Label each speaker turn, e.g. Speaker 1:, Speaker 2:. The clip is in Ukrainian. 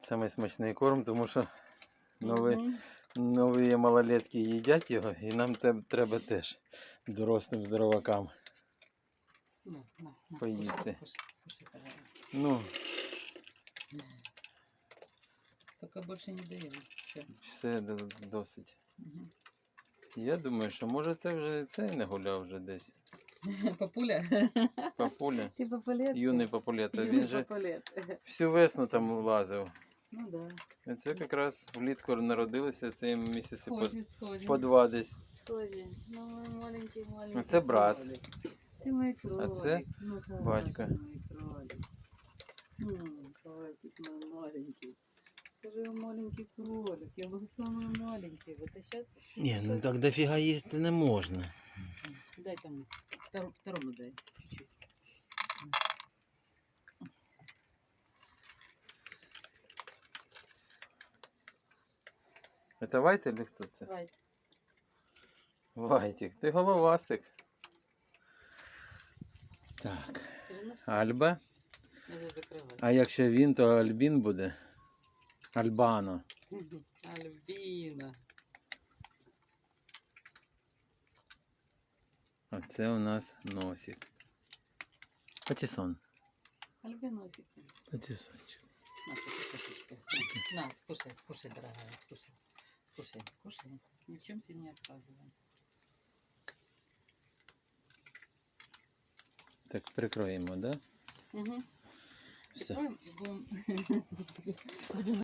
Speaker 1: самий смачний корм, тому що нові малолетки їдять його, і нам треба теж дорослим здоровакам поїсти.
Speaker 2: Кушай, пожалуйста.
Speaker 1: Ну,
Speaker 2: Пока больше не даем.
Speaker 1: все досить.
Speaker 2: Угу.
Speaker 1: Я думаю, що може це вже цей не гуляв вже десь.
Speaker 2: Папуля?
Speaker 1: Папуля.
Speaker 2: Ти папулет?
Speaker 1: Юний папулет.
Speaker 2: Юний
Speaker 1: Він же
Speaker 2: папулет.
Speaker 1: всю весну там лазив.
Speaker 2: Ну да.
Speaker 1: І це якраз влітку народилися в цей місяці
Speaker 2: Схожі.
Speaker 1: по 2 десь.
Speaker 2: Схожі. Ну, мой маленький.
Speaker 1: Це брат.
Speaker 2: Кролик. Ти мій кролик.
Speaker 1: А це
Speaker 2: ну,
Speaker 1: батько.
Speaker 2: Мой кролик. Кролик мой маленький. Скажи, маленький кролик. Я был самый маленький. Вот а сейчас...
Speaker 1: Ні, ну так дофіга їсти не можна.
Speaker 2: Дай там, второму дай. Чуть-чуть.
Speaker 1: Це Вайт или хто це?
Speaker 2: Вайт.
Speaker 1: Вайтик, ти головастик. Так, Альба.
Speaker 2: Надо закрывать.
Speaker 1: А якщо він, то Альбін буде. Альбано.
Speaker 2: Альбина.
Speaker 1: А це у нас носик. Патісон.
Speaker 2: Альбиносик.
Speaker 1: Патісончик.
Speaker 2: На, кушай, на, скушай, дорогая, скушай. Ни в чем себе не отказываем.
Speaker 1: Так, прикроємо, да?
Speaker 2: Угу.
Speaker 1: Все.
Speaker 2: Прикроем и будем